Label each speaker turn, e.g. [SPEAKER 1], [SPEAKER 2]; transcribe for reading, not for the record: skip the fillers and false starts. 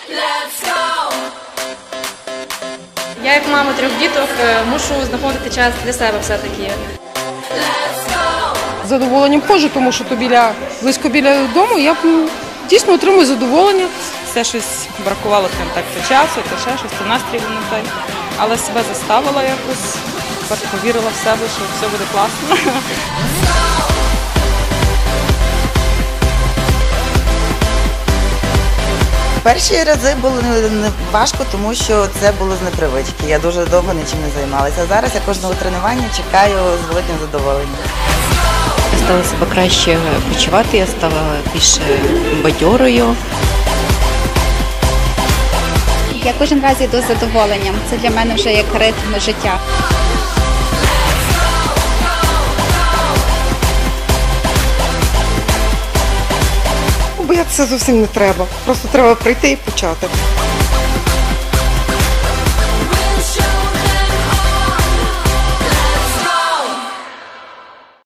[SPEAKER 1] Я як мама 3 діток мушу знаходити час для себе все-таки.
[SPEAKER 2] З задоволенням ходжу, тому що то близько біля дому, я дійсно отримую задоволення.
[SPEAKER 3] Все щось бракувало так то часу, то ще щось, то настрій не той. Але себе заставила якось, повірила в себе, що все буде класно.
[SPEAKER 4] Перші рази було не важко, тому що це було з непривички. Я дуже довго нічим не займалася. А зараз я кожного тренування чекаю з великим задоволенням.
[SPEAKER 5] Я стала себе краще почувати, я стала більш бадьорою.
[SPEAKER 6] Я кожен раз йду з задоволенням. Це для мене вже як ритм життя.
[SPEAKER 2] Боятися зовсім не треба. Просто треба прийти і почати.